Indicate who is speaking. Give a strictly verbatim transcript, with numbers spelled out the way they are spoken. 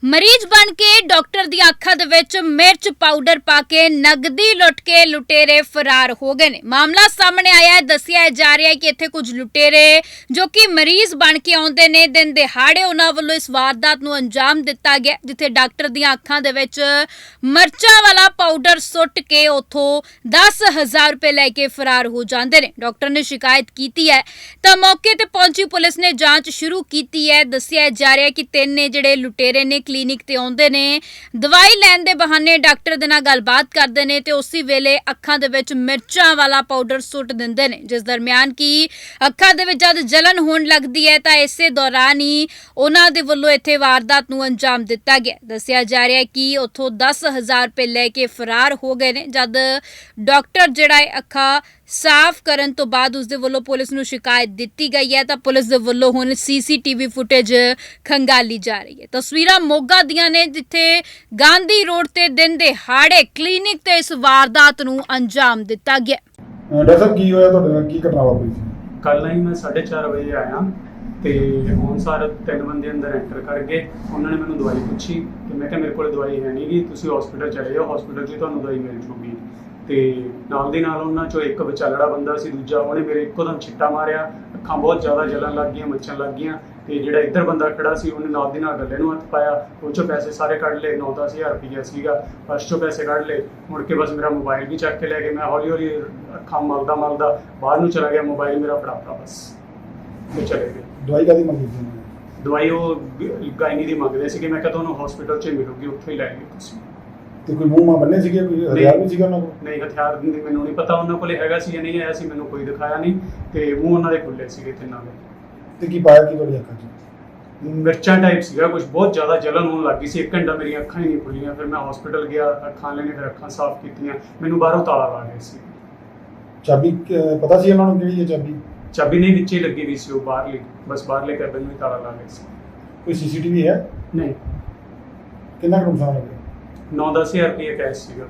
Speaker 1: ਮਰੀਜ਼ ਬਣ ਕੇ ਡਾਕਟਰ ਦੀਆਂ ਅੱਖਾਂ ਦੇ ਵਿੱਚ ਮਿਰਚ ਪਾਊਡਰ ਪਾ ਕੇ ਨਗਦੀ ਲੁੱਟ ਕੇ ਲੁਟੇਰੇ ਫਰਾਰ ਹੋ ਗਏ ਨੇ। ਮਾਮਲਾ ਸਾਹਮਣੇ ਆਇਆ ਹੈ। ਦੱਸਿਆ ਜਾ ਰਿਹਾ ਹੈ ਕਿ ਇੱਥੇ ਕੁਝ ਲੁਟੇਰੇ ਜੋ ਕਿ ਮਰੀਜ਼ ਬਣ ਕੇ ਆਉਂਦੇ ਨੇ, ਦਿਨ ਦਿਹਾੜੇ ਉਹਨਾਂ ਵੱਲੋਂ ਇਸ ਵਾਰਦਾਤ ਨੂੰ ਅੰਜਾਮ ਦਿੱਤਾ ਗਿਆ, ਜਿੱਥੇ ਡਾਕਟਰ ਦੀਆਂ ਅੱਖਾਂ ਦੇ ਵਿੱਚ ਮਿਰਚਾਂ ਵਾਲਾ ਪਾਊਡਰ ਸੁੱਟ ਕੇ ਉੱਥੋਂ ਦਸ ਹਜ਼ਾਰ ਰੁਪਏ ਲੈ ਕੇ ਫਰਾਰ ਹੋ ਜਾਂਦੇ ਨੇ। ਡਾਕਟਰ ਨੇ ਸ਼ਿਕਾਇਤ ਕੀਤੀ ਹੈ ਤਾਂ ਮੌਕੇ ਤੇ ਪਹੁੰਚੀ ਪੁਲਿਸ ਨੇ ਜਾਂਚ ਸ਼ੁਰੂ ਕੀਤੀ ਹੈ। ਦੱਸਿਆ ਜਾ ਰਿਹਾ ਹੈ ਕਿ ਤਿੰਨ ਨੇ ਜਿਹੜੇ ਲੁਟੇਰੇ ਨੇ ਕਲੀਨਿਕ ਤੇ ਆਉਂਦੇ ਨੇ, ਦਵਾਈ ਲੈਣ ਦੇ ਬਹਾਨੇ ਡਾਕਟਰ ਦੇ ਨਾਲ ਗੱਲਬਾਤ ਕਰਦੇ ਨੇ ਤੇ ਉਸੇ ਵੇਲੇ ਅੱਖਾਂ ਦੇ ਵਿੱਚ ਮਿਰਚਾਂ ਵਾਲਾ ਪਾਊਡਰ ਸੁੱਟ ਦਿੰਦੇ ਨੇ, ਜਿਸ ਦਰਮਿਆਨ ਕੀ ਅੱਖਾਂ ਦੇ ਵਿੱਚ ਜਦ ਜਲਨ ਹੋਣ ਲੱਗਦੀ ਹੈ ਤਾਂ ਇਸੇ ਦੌਰਾਨ ਹੀ ਉਹਨਾਂ ਦੇ ਵੱਲੋਂ ਇੱਥੇ ਵਾਰਦਾਤ ਨੂੰ ਅੰਜਾਮ ਦਿੱਤਾ ਗਿਆ। ਦੱਸਿਆ ਜਾ ਰਿਹਾ ਹੈ ਕਿ ਉੱਥੋਂ ਦਸ ਹਜ਼ਾਰ ਰੁਪਏ ਲੈ ਕੇ ਫਰਾਰ ਹੋ ਗਏ ਨੇ। ਜਦ ਡਾਕਟਰ ਜਿਹੜਾ ਹੈ ਅੱਖਾਂ ਸਾਫ਼ ਕਰਨ ਤੋਂ ਬਾਅਦ ਉਸਦੇ ਵੱਲੋਂ ਪੁਲਿਸ ਨੂੰ ਸ਼ਿਕਾਇਤ ਦਿੱਤੀ ਗਈ ਹੈ ਤਾਂ ਪੁਲਿਸ ਦੇ ਵੱਲੋਂ ਹੁਣ ਸੀਸੀਟੀਵੀ ਫੁਟੇਜ ਖੰਗਾਲੀ ਜਾ ਰਹੀ ਹੈ। ਤਸਵੀਰਾਂ ਮੋਗਾ ਦੀਆਂ ਨੇ, ਜਿੱਥੇ ਗਾਂਧੀ ਰੋਡ ਤੇ ਦਿਨ ਦਿਹਾੜੇ ਕਲੀਨਿਕ ਤੇ ਇਸ ਵਾਰਦਾਤ ਨੂੰ ਅੰਜਾਮ ਦਿੱਤਾ ਗਿਆ।
Speaker 2: ਡਾਕਟਰ ਸਾਹਿਬ ਕੀ ਹੋਇਆ ਤੁਹਾਡੇ ਨਾਲ, ਕੀ ਘਟਨਾ ਵਾਪਰੀ ਸੀ?
Speaker 3: ਕੱਲ੍ਹ ਹੀ ਮੈਂ ਸਾਢੇ ਚਾਰ ਵਜੇ ਆਇਆ ਤੇ ਹੁਣ ਸਾਰੇ ਤਿੰਨ ਬੰਦੇ ਅੰਦਰ ਐਂਟਰ ਕਰ ਗਏ। ਉਹਨਾਂ ਨੇ ਮੈਨੂੰ ਦਵਾਈ ਪੁੱਛੀ ਕਿ ਮੈਂ ਕਿਹਾ ਮੇਰੇ ਕੋਲ ਦਵਾਈ ਹੈ ਨਹੀਂ ਗੀ, ਤੁਸੀਂ ਹਸਪੀਟਲ ਚਲੇ ਜਾਓ, ਹਸਪੀਟਲ 'ਚ ਹੀ ਤੁਹਾਨੂੰ ਦਵਾਈ ਮਿਲ ਜੂਗੀ। ਤੇ ਨਾਲ ਦੀ ਨਾਲ ਉਹਨਾਂ 'ਚੋਂ ਇੱਕ ਵਿਚਾਲੜਾ ਬੰਦਾ ਸੀ, ਦੂਜਾ ਉਹਨੇ ਮੇਰੇ ਇੱਕੋਦਮ ਛਿੱਟਾ ਮਾਰਿਆ, ਅੱਖਾਂ ਬਹੁਤ ਜ਼ਿਆਦਾ ਜਲਣ ਲੱਗ ਗਈਆਂ, ਮੱਚਣ ਲੱਗ ਗਈਆਂ। ਤੇ ਜਿਹੜਾ ਇੱਧਰ ਬੰਦਾ ਖੜਾ ਸੀ ਉਹਨੇ ਨਾਲ ਦੀ ਨਾਲ ਗੱਲੇ ਨੂੰ ਹੱਥ ਪਾਇਆ, ਉਹ 'ਚੋਂ ਪੈਸੇ ਸਾਰੇ ਕੱਢ ਲਏ। ਨੌ ਦਸ ਹਜ਼ਾਰ ਰੁਪਈਆ ਸੀਗਾ, ਫਸਟ 'ਚੋਂ ਪੈਸੇ ਕੱਢ ਲਏ। ਮੁੜ ਕੇ ਬਸ ਮੇਰਾ ਮੋਬਾਈਲ ਵੀ ਚੱਕ ਕੇ ਲੈ ਗਏ। ਮੈਂ ਹੌਲੀ ਹੌਲੀ ਅੱਖਾਂ ਮਲਦਾ ਮਲਦਾ ਬਾਹਰ ਨੂੰ ਚਲਾ ਗਿਆ, ਮੋਬਾਈਲ ਮੇਰਾ ਫੜਾਤਾ, ਬਸ ਉਹ ਚਲੇ ਗਏ।
Speaker 2: ਦਵਾਈ ਕਾਹਦੀ ਮੰਗੀ ਸੀ?
Speaker 3: ਦਵਾਈ ਉਹ ਗਾਇਨੀ ਦੀ ਮੰਗਦੇ ਸੀਗੇ। ਮੈਂ ਕਿਹਾ ਤੁਹਾਨੂੰ ਹਸਪੀਟਲ 'ਚ ਮਿਲੂਗੀ, ਉੱਥੋਂ ਹੀ ਲੈ ਲਿਓ ਤੁਸੀਂ।
Speaker 2: ਤੇ ਕੋਈ ਮੂੰਹ ਮਾ ਬੰਨੇ ਸੀਗੇ, ਕੋਈ ਹਥਿਆਰ ਵੀ ਸੀਗਾ ਉਹਨਾਂ ਕੋਲ?
Speaker 3: ਨਹੀਂ, ਹਥਿਆਰ ਦੀ ਮੈਨੂੰ ਨਹੀਂ ਪਤਾ ਉਹਨਾਂ ਕੋਲੇ ਹੈਗਾ ਸੀ ਜਾਂ ਨਹੀਂ ਆਇਆ ਸੀ, ਮੈਨੂੰ ਕੋਈ ਦਿਖਾਇਆ ਨਹੀਂ। ਤੇ ਮੂੰਹ ਉਹਨਾਂ ਦੇ ਖੁੱਲੇ ਸੀਗੇ ਤਿੰਨਾਂ ਦੇ।
Speaker 2: ਤੇ ਕੀ ਪਾਇਆ ਕੀ ਤੁਹਾਡੀ ਅੱਖਾਂ 'ਚ?
Speaker 3: ਮਿਰਚਾਂ ਟਾਈਪ ਸੀਗਾ ਕੁਝ, ਬਹੁਤ ਜ਼ਿਆਦਾ ਜਲਨ ਹੋਣ ਲੱਗੀ ਸੀ। ਇੱਕ ਘੰਟਾ ਮੇਰੀਆਂ ਅੱਖਾਂ ਹੀ ਨਹੀਂ ਖੁੱਲੀਆਂ। ਫਿਰ ਮੈਂ ਹਸਪੀਟਲ ਗਿਆ, ਅੱਖਾਂ ਲੈਣੇ, ਫਿਰ ਅੱਖਾਂ ਸਾਫ਼ ਕੀਤੀਆਂ। ਮੈਨੂੰ ਬਾਹਰੋਂ ਤਾਲਾ ਲਾ ਗਏ ਸੀ।
Speaker 2: ਚਾਬੀ ਕ- ਪਤਾ ਸੀ ਉਹਨਾਂ ਨੂੰ ਕਿਹੜੀ ਹੈ ਚਾਬੀ?
Speaker 3: ਚਾਬੀ ਨਹੀਂ, ਵਿੱਚੇ ਲੱਗੀ ਵੀ ਸੀ ਉਹ ਬਾਹਰਲੀ, ਬਸ ਬਾਹਰਲੇ ਕੈਬਨ ਨੂੰ ਹੀ ਤਾਲਾ ਲਾ ਗਏ ਸੀ।
Speaker 2: ਕੋਈ ਸੀਸੀਟੀਵੀ ਹੈ?
Speaker 3: ਨਹੀਂ,
Speaker 2: ਕਿੰਨਾ ਕੁ ਨੁਕਸਾਨ ਹੋ ਗਿਆ?
Speaker 3: ਨੌ ਦਸ ਹਜ਼ਾਰ ਰੁਪਏ ਕੈਸ਼ ਸੀਗਾ।